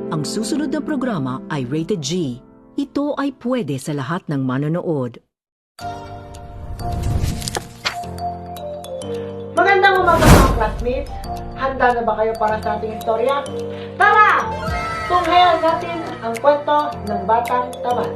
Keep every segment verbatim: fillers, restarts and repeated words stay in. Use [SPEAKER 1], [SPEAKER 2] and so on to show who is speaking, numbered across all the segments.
[SPEAKER 1] Ang susunod na programa ay rated G. Ito ay pwede sa lahat ng manonood.
[SPEAKER 2] Magandang umaga mga classmates! Handa na ba kayo para sa ating istorya? Tara! Tunghayan natin ang kwento ng Batang Tamad.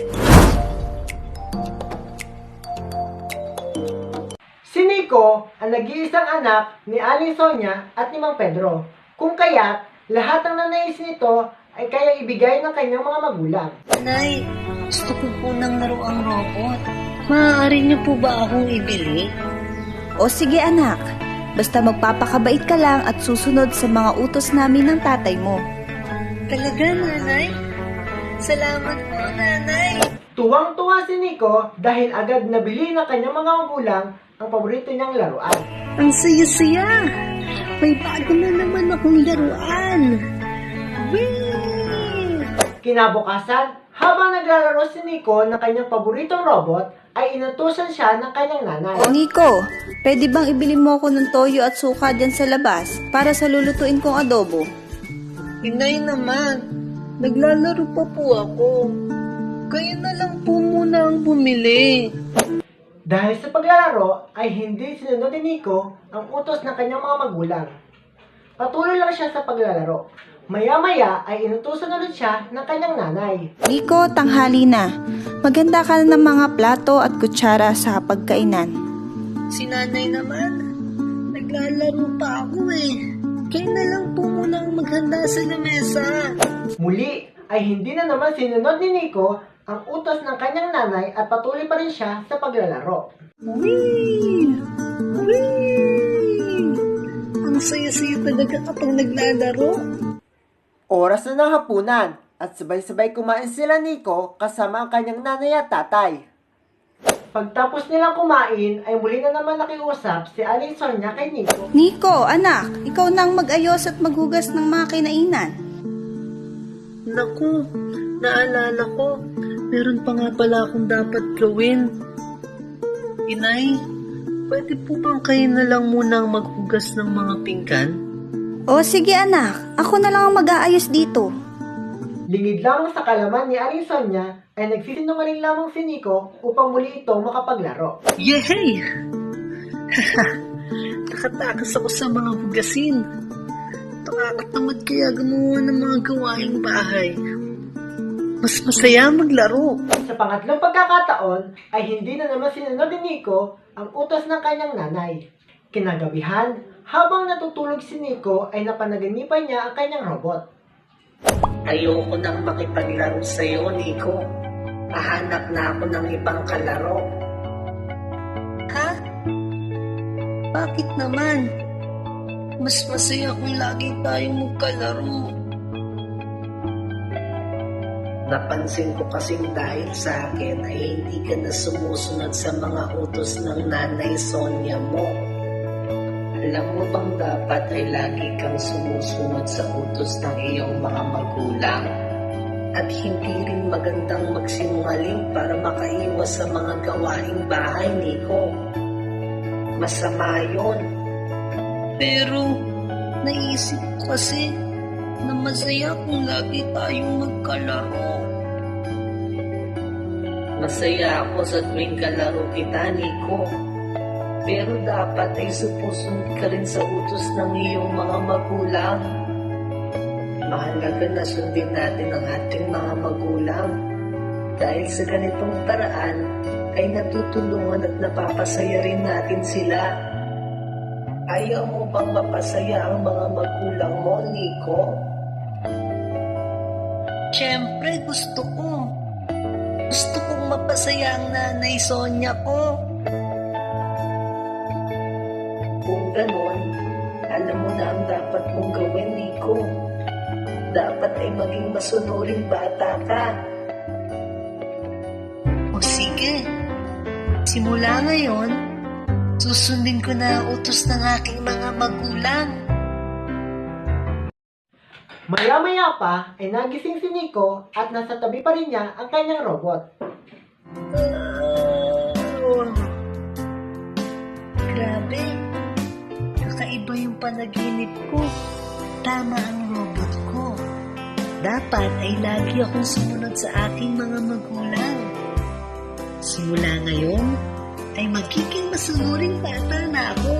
[SPEAKER 2] Si Nico ang nag-iisang anak ni Aling Sonia at ni Mang Pedro. Kung kaya't lahat ng nanais nito ay kaya ibigay ng kanyang mga magulang.
[SPEAKER 3] Nay, gusto ko po ng laruang robot. Maaari niyo po ba akong ibili?
[SPEAKER 4] O sige anak, basta magpapakabait ka lang at susunod sa mga utos namin ng tatay mo.
[SPEAKER 3] Talaga, nanay? Salamat po, nanay.
[SPEAKER 2] Tuwang-tuwa si Nico dahil agad nabili ng kanyang mga magulang ang paborito niyang laruan.
[SPEAKER 3] Ang saya-saya. May bago na naman akong laruan. Whee!
[SPEAKER 2] Kinabukasan, habang naglalaro si Nico ng kanyang paboritong robot, ay inutusan siya ng kanyang nanay.
[SPEAKER 4] O Nico, pwede bang ibili mo ako ng toyo at suka dyan sa labas para sa lulutuin kong adobo?
[SPEAKER 3] Inay naman, naglalaro pa po ako. Kayo na lang po muna ang bumili.
[SPEAKER 2] Dahil sa paglalaro ay hindi sinunod ni Nico ang utos ng kanyang mga magulang. Patuloy lang siya sa paglalaro. Maya-maya ay inutusan ulit siya ng kanyang nanay.
[SPEAKER 4] Nico, tanghali na. Maganda ka na ng mga plato at kutsara sa pagkainan.
[SPEAKER 3] Si nanay naman, naglalaro pa ako eh. Kayo na lang po muna ang maghanda sa lamesa.
[SPEAKER 2] Muli ay hindi na naman sinunod ni Nico ang utos ng kanyang nanay at patuloy pa rin siya sa paglalaro.
[SPEAKER 3] Whee! Whee! Ang saya-saya talaga kapag naglalaro.
[SPEAKER 2] Oras na ng hapunan at sabay-sabay kumain sila Nico kasama ang kanyang nanay at tatay. Pagtapos nilang kumain ay muli na naman nakiusap si Aling Sonia kay Nico.
[SPEAKER 4] Nico, anak, ikaw nang mag-ayos at maghugas ng mga kinainan.
[SPEAKER 3] Naku, naalala ko, meron pa nga pala akong dapat gawin. Inay, pwede po bang kayo na lang munang maghugas ng mga pinggan?
[SPEAKER 4] O sige anak, ako na lang ang mag-aayos dito.
[SPEAKER 2] Lingid lamang sa kalaman ni Aling Sonia ay nagsisinungaling lamang si Nico upang muli ito makapaglaro.
[SPEAKER 3] Yehey! Nakatakas ako sa mga hugasin. Nakakatamad kaya gumawa ng mga gawaing bahay. Mas masaya maglaro.
[SPEAKER 2] Sa pangatlong pagkakataon ay hindi na naman sinunod ni Nico ang utos ng kanyang nanay. Kinagabihan, habang natutulog si Nico ay napanaganipan niya ang kanyang robot.
[SPEAKER 3] Ayoko nang makipaglaro sa'yo, Nico. Hahanap na ako ng ibang kalaro. Ha? Bakit naman? Mas masaya kung lagi tayong magkalaro. Napansin ko kasing dahil sa akin ay hindi ka na sumusunod sa mga utos ng nanay Sonia mo. Alam mo bang dapat ay lagi kang sumusunod sa utos ng iyong mga magulang? At hindi rin magandang magsinungaling para makaiwas sa mga gawaing bahay, Nico. Masama yun. Pero, naisip ko kasi na masaya kung lagi tayong magkalaro. Masaya ako sa tuwing kalaro kita, Nico. Pero dapat ay supusunod ka rin sa utos ng iyong mga magulang. Mahalaga na sundin natin ang ating mga magulang. Dahil sa ganitong paraan, ay natutulungan at napapasaya rin natin sila. Ayaw mo bang mapasaya ang mga magulang mo, Nico? Siyempre, gusto ko. Gusto kong mapasaya ang nanay Sonia ko. Kung ganon, alam mo na ang dapat mong gawin, Nico. Dapat ay maging masunuring bata ka. O sige, simula ngayon, susundin ko na ang utos ng aking mga magulang.
[SPEAKER 2] Maya-maya pa ay nagising si Nico at nasa tabi pa rin niya ang kanyang robot.
[SPEAKER 3] Uh, grabe, kakaiba yung panaginip ko. Tama ang robot ko. dapat ay lagi akong sumunod sa aking mga magulang. Simula ngayon, ay magiging masunuring bata na ako.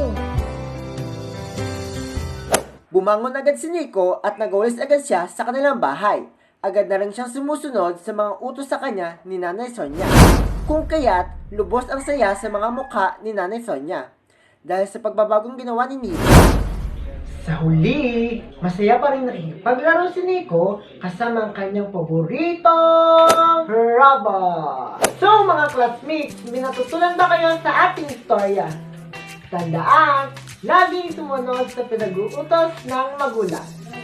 [SPEAKER 2] Bumangon agad si Nico at nagawalis agad siya sa kanilang bahay. Agad na rin siyang sumusunod sa mga utos sa kanya ni Nanay Sonia. Kung kaya't, lubos ang saya sa mga mukha ni Nanay Sonia. Dahil sa pagbabagong ginawa ni Nico. Sa huli, masaya pa rin nakikipaglaro si Nico kasama ang kanyang paboritong robot. So mga classmates, may natutunan ba kayo sa ating istorya? Tandaan, laging sumunod sa pinag-uutos ng magulang.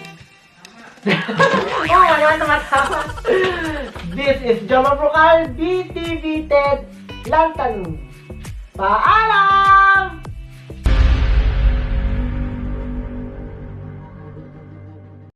[SPEAKER 2] Oo, ano tumatawa. This is Joma Brocal, B T V Ted Lantanong. Paalam!